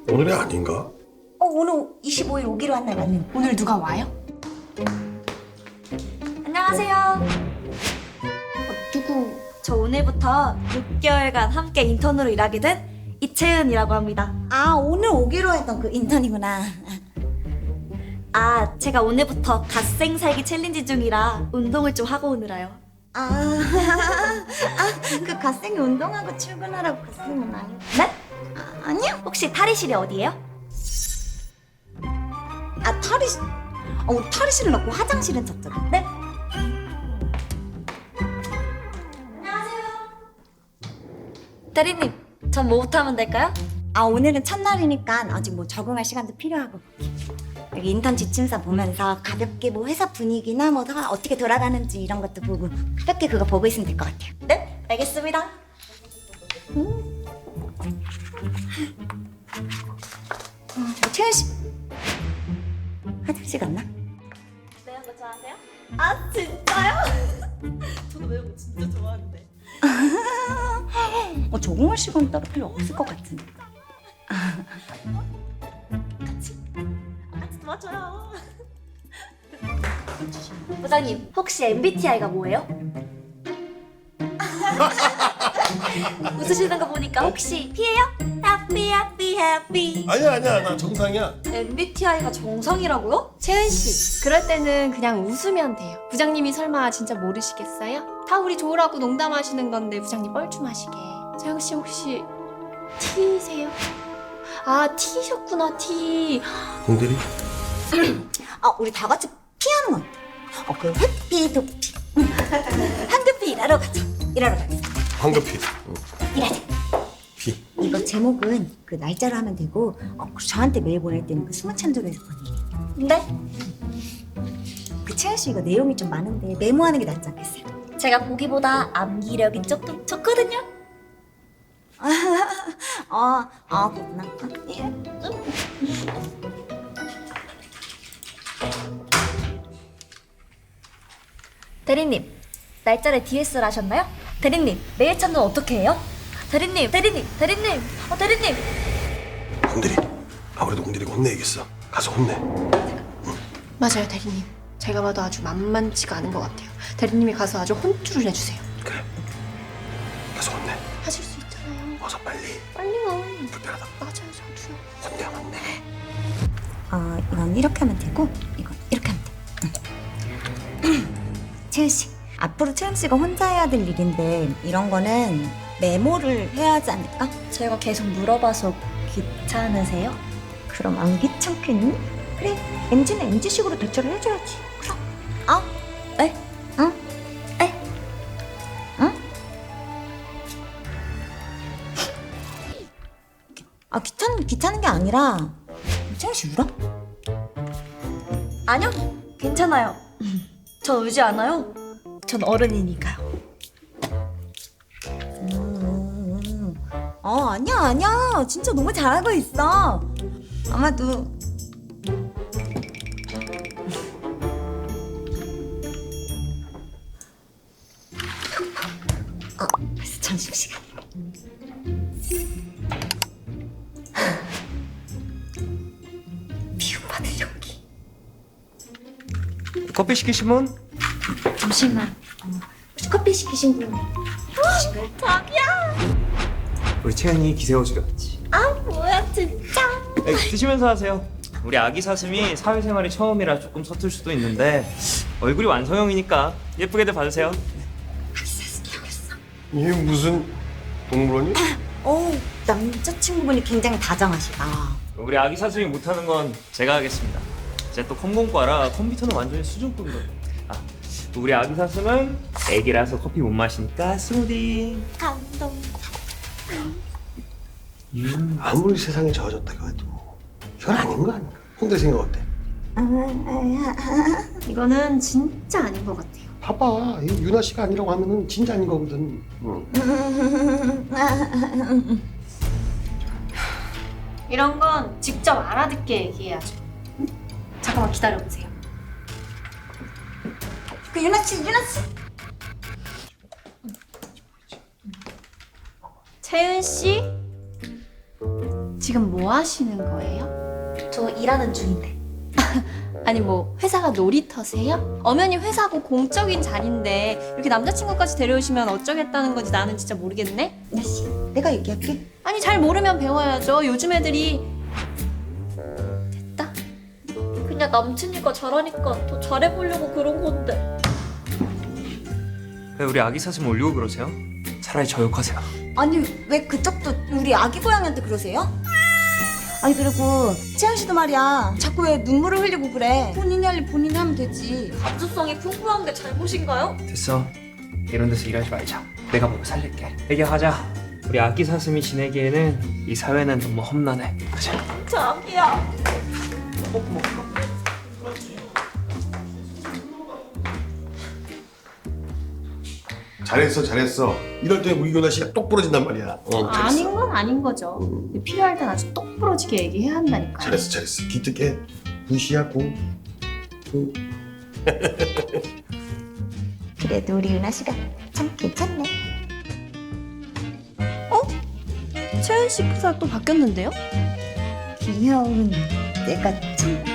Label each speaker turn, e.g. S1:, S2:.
S1: 오늘이 아닌가?
S2: 오늘 25일 오기로 한 날 맞는.
S3: 오늘 누가 와요?
S2: 안녕하세요.
S3: 누구?
S2: 저 오늘부터 6개월간 함께 인턴으로 일하게 된 이채은이라고 합니다. 아, 오늘 오기로 했던 그 인턴이구나. 아, 제가 오늘부터 갓생 살기 챌린지 중이라 운동을 좀 하고 오느라요. 그 갓생이 운동하고 출근하라고 갓생은 아니요. 네? 아니요. 혹시 탈의실이 어디예요? 탈의실. 우리 탈의실은 없고 화장실은 저쪽. 네? 안녕하세요. 대리님, 전 뭐부터 하면 될까요? 오늘은 첫날이니까 아직 뭐 적응할 시간도 필요하고. 여기 인턴 지침서 보면서 가볍게 뭐 회사 분위기나 뭐 다 어떻게 돌아가는지 이런 것도 보고 가볍게 그거 보고 있으면 될 것 같아요. 네? 알겠습니다. 채연 씨 화장실 갔나? 매운 거 좋아하세요? 아, 진짜요? 저도 매운 거 진짜 좋아하는데. 적응할 시간 따로 필요 없을 것 같은데. 같이 도와줘요. 부장님, 혹시 MBTI가 뭐예요? 웃으시는 거 보니까 혹시 P예요? Happy, happy, happy.
S1: 아니야 나 정상이야.
S2: MBTI가 정상이라고요?
S3: 채은 씨, 그럴 때는 그냥 웃으면 돼요. 부장님이 설마 진짜 모르시겠어요? 다 우리 좋으라고 농담하시는 건데 부장님 뻘쭘하시게. 채은 씨 혹시 T세요? 아, T셨구나, T.
S1: 공대리?
S2: 우리 다 같이 피하는 건 어때? 그 해피 도피. 황급히 일하러 가자.
S1: 황급히.
S2: 일하자.
S1: 피.
S2: 이거 제목은 그 날짜로 하면 되고 그리고 저한테 메일 보낼 때는 그 수문찬조에서 보내요. 네? 그 채연 씨 이거 내용이 좀 많은데 메모하는 게 낫지 않겠어요? 제가 보기보다 암기력이 조금 좋거든요. 그렇구나. 예. 대리님, 날짜를 DS를 하셨나요? 대리님, 메일 찾는 어떻게 해요? 대리님. 대리님.
S1: 공대리. 아무래도 공대리가 혼내야겠어. 가서 혼내.
S3: 맞아요, 대리님. 제가 봐도 아주 만만치가 않은 것 같아요. 대리님이 가서 아주 혼쭐을 내주세요.
S1: 그래. 가서 혼내.
S3: 하실 수 있잖아요.
S1: 어서 빨리.
S3: 빨리요.
S1: 불편하다.
S3: 맞아요, 저도요.
S1: 혼내.
S2: 이건 이렇게 하면 되고 이건 이렇게 하면 돼. 채연 씨, 앞으로 채연 씨가 혼자 해야 될 일인데 이런 거는 메모를 해야 하지 않을까? 제가 계속 물어봐서 귀찮으세요? 그럼 안 귀찮겠니? 그래, MG는 MG식으로 대처를 해줘야지. 그럼. 에? 응? 에? 응? 귀찮은 게 아니라 채연 씨 울어? 아니요, 괜찮아요. 저 울지 않아요. 전 어른이니까요. 아니야. 진짜 너무 잘하고 있어. 아마도. 벌써 점심시간. 미움받을 용기.
S4: 커피 시키신 분?
S2: 잠시만. 혹시 커피 시키신 분? 자기야.
S4: 우리 채연이 기세워주려 왔지.
S2: 뭐야 진짜.
S4: 드시면서 하세요. 우리 아기 사슴이 사회생활이 처음이라 조금 서툴 수도 있는데 얼굴이 완성형이니까 예쁘게들 봐주세요.
S1: 이게 무슨 동물원이?
S2: 남자친구분이 굉장히 다정하시다.
S4: 우리 아기 사슴이 못하는 건 제가 하겠습니다. 제가 또 컴공과라 컴퓨터는 완전히 수준급이거든요. 우리 아기 사슴은 애기라서 커피 못 마시니까 스무디.
S2: 감동.
S1: 아무리 세상이 좋아졌다고 해도 이건 아닌 거 아닌가? 공대리 생각 어때?
S3: 이거는 진짜 아닌 것 같아요.
S1: 봐봐. 이 유나 씨가 아니라고 하면은 진짜 아닌 거거든.
S3: 이런 건 직접 알아듣게 얘기해야죠. 잠깐만 기다려보세요.
S2: 그 유나 씨.
S3: 채은 씨, 지금 뭐 하시는 거예요?
S2: 저 일하는 중인데.
S3: 아니 뭐 회사가 놀이터세요? 엄연히 회사고 공적인 자리인데 이렇게 남자친구까지 데려오시면 어쩌겠다는 건지 나는 진짜 모르겠네?
S2: 나씨, 내가 얘기할게.
S3: 아니 잘 모르면 배워야죠. 요즘 애들이. 됐다.
S2: 그냥 남친이가 잘하니까 더 잘해보려고 그런 건데.
S4: 왜 우리 아기 사슴 올리고 그러세요? 차라리 저 욕하세요.
S2: 아니 왜 그쪽도 우리 아기 고양이한테 그러세요? 아니 그리고 채연 씨도 말이야 자꾸 왜 눈물을 흘리고 그래. 본인이 할 일 본인이 하면 되지. 감수성이 풍부한 게 잘못인가요?
S4: 됐어. 이런 데서 일하지 말자. 내가 보고 살릴게. 얘기하자. 우리 아기 사슴이 지내기에는 이 사회는 너무 험난해. 가자.
S2: 자기야.
S1: 잘했어 잘했어. 이럴 때 우리 교나 씨가 똑 부러진단 말이야. 잘했어.
S3: 아닌 건 아닌 거죠. 필요할 땐 아주 똑부러지게 얘기해야 한다니까요.
S1: 잘했어. 기특해. 무시하고.
S2: 그래도 우리 유나 씨가 참 괜찮네.
S3: 채연 씨 프사 또 바뀌었는데요?
S2: 귀여운 내가 참